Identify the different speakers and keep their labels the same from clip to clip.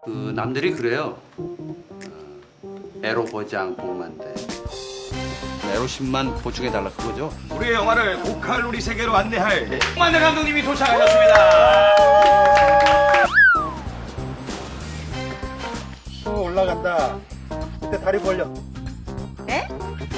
Speaker 1: 그 남들이 그래요. 에로 보장 복만대. 에로 10만 보충해달라 그거죠?
Speaker 2: 우리의 영화를 고칼로리 세계로 안내할 복만대 감독님이 도착하셨습니다.
Speaker 3: 올라간다. 그때 다리 벌려.
Speaker 4: 네?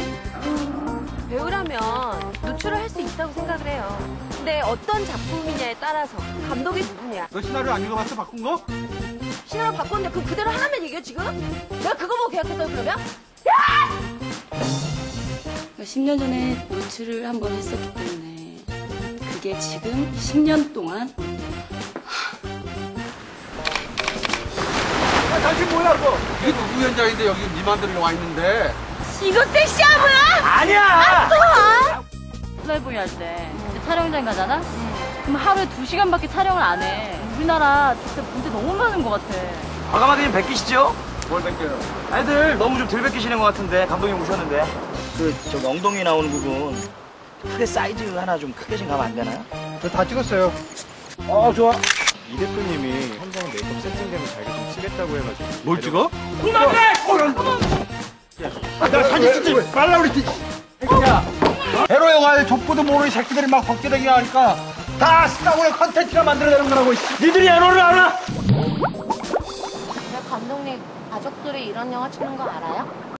Speaker 4: 배우라면 노출을 할 수 있다고 생각을 해요. 근데 어떤 작품이냐에 따라서 감독이 누구냐.
Speaker 3: 너 시나리오 안 읽어봤어? 바꾼 거?
Speaker 4: 시나리오 바꿨는데 그 그대로 하라면 얘기해 지금? 내가 그거 보고 계약했다고 그러면?
Speaker 5: 10년 전에 노출을 한 번 했었기 때문에 그게 지금 10년 동안
Speaker 3: 당신 뭐야 그거?
Speaker 1: 이게 누구 현장인데 여기 네 맘대로 와 있는데.
Speaker 4: 이거 섹시하구나?
Speaker 2: 아니야.
Speaker 5: 플레이보이 할 때 촬영장 가잖아? 그럼 하루에 2시간밖에 촬영을 안 해. 우리나라 진짜 문제 너무 많은 것 같아.
Speaker 2: 과감하게 좀 베끼시죠?
Speaker 3: 뭘 뺏겨요?
Speaker 2: 애들 너무 좀 덜 베끼시는 것 같은데 감독님 오셨는데 저 엉덩이 나오는 부분 크게 사이즈 하나 좀 크게 좀 가면 안 되나요?
Speaker 3: 저 다 찍었어요.
Speaker 2: 좋아.
Speaker 6: 이 대표님이 현장 메이크업 세팅되면 자기가 좀 치겠다고 해가지고
Speaker 3: 뭘 찍어?
Speaker 6: 나 사진 찍지 말라 그랬지.
Speaker 3: 에로 영화에 족보도 모르는 새끼들이 막 벅지르기 하니까 다 스타군의 컨텐츠가 만들어내는 거라고.
Speaker 2: 니들이 에로를 알아?
Speaker 4: 감독님 가족들이 이런 영화 찍는 거 알아요?